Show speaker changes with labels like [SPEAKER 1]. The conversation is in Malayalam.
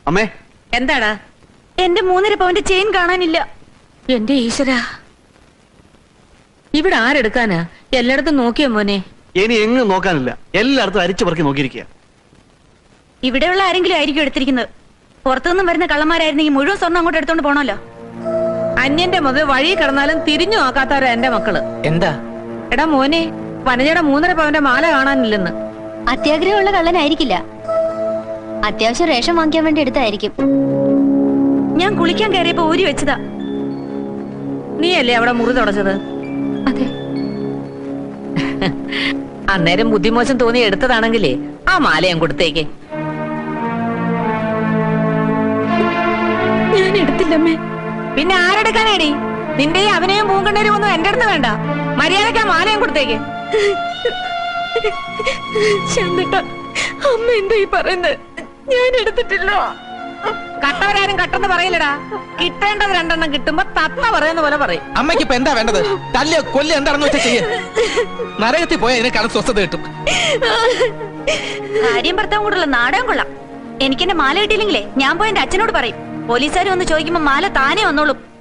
[SPEAKER 1] അമ്മേ
[SPEAKER 2] എന്താടാ?
[SPEAKER 3] എന്റെ 3.5 പവന്റെ ചെയിൻ കാണാനില്ല.
[SPEAKER 2] എന്റെ ഈശ്വര, ഇവിടെ ആരെടുക്കാനാ? എല്ലായിടത്തും നോക്കിയോ മോനെ?
[SPEAKER 1] ഇനി എങ്ങും നോക്കാനില്ല, എല്ലായിടത്തും അരിച്ചു പറക്കി നോക്കിയിരിക്കുക.
[SPEAKER 3] ഇവിടെയുള്ള ആരെങ്കിലും ആയിരിക്കും എടുത്തിരിക്കുന്നത്. പുറത്തുനിന്നും വരുന്ന കള്ളന്മാരായിരുന്നെങ്കിൽ മുഴുവൻ സ്വർണ്ണം അങ്ങോട്ട് എടുത്തോണ്ട് പോണല്ലോ.
[SPEAKER 2] അന്യന്റെ മുതൽ വഴി കിടന്നാലും തിരിഞ്ഞു നോക്കാത്തവരാ എന്റെ മക്കള്.
[SPEAKER 4] എന്താ?
[SPEAKER 2] എടാ മോനെ, വനജയുടെ 3.5 പവന്റെ മാല കാണാനില്ലെന്ന്.
[SPEAKER 5] അത്യാഗ്രഹമുള്ള കള്ളനായിരിക്കില്ല, അത്യാവശ്യം റേഷൻ വാങ്ങിക്കാൻ വേണ്ടി എടുത്തായിരിക്കും.
[SPEAKER 3] ഞാൻ കുളിക്കാൻ കയറിയപ്പോ ഊരി വെച്ചതാ.
[SPEAKER 2] നീയല്ലേ അവിടെ മുറി തുടച്ചത്?
[SPEAKER 5] അതെ.
[SPEAKER 2] അന്നേരം ബുദ്ധിമോശം തോന്നി എടുത്തതാണെങ്കിലേ ആ മാല ഞാൻ കൊടുത്തേക്ക്.
[SPEAKER 3] ഞാൻ എടുത്തില്ലമ്മേ.
[SPEAKER 2] പിന്നെ ആരെടുക്കാനേടി? നിന്റെയും അവനെയും പൂങ്കണ്ണേരും ഒന്നും എന്റെ അടുത്ത് വേണ്ട. മര്യാദയ്ക്ക് ആ മാലയും കൊടുത്തേക്ക്.
[SPEAKER 3] ചന്ദ്രേട്ടാ, അമ്മ എന്താ ഈ പറയുന്നത്? ഞാൻ എടുത്തിട്ടില്ല.
[SPEAKER 2] കട്ടവരാരും കട്ടെന്ന് പറയില്ലടാ. കിട്ടേണ്ടത് 2 എണ്ണം കിട്ടുമ്പോ തത്ത പറയുന്ന പോലെ പറയും.
[SPEAKER 4] അമ്മയ്ക്ക് ഇപ്പൊ എന്താ വേണ്ടത്? തല്ലിയോ കൊല്ലി എന്താണെന്ന് വെച്ചാൽ ചെയ്യ. നരകത്തിൽ പോയാൽ ഇതിനെക്കാളും സ്വസ്ഥത കിട്ടും.
[SPEAKER 3] ഭാര്യയും ഭർത്താവും കൂടെയുള്ള നാടകം കൊള്ളാം. എനിക്ക് എന്റെ മാല കിട്ടിയില്ലെങ്കിലേ ഞാൻ പോയി എന്റെ അച്ഛനോട് പറയും. പോലീസുകാർ വന്ന് ചോദിക്കുമ്പോ മാല താനേ വന്നോളും.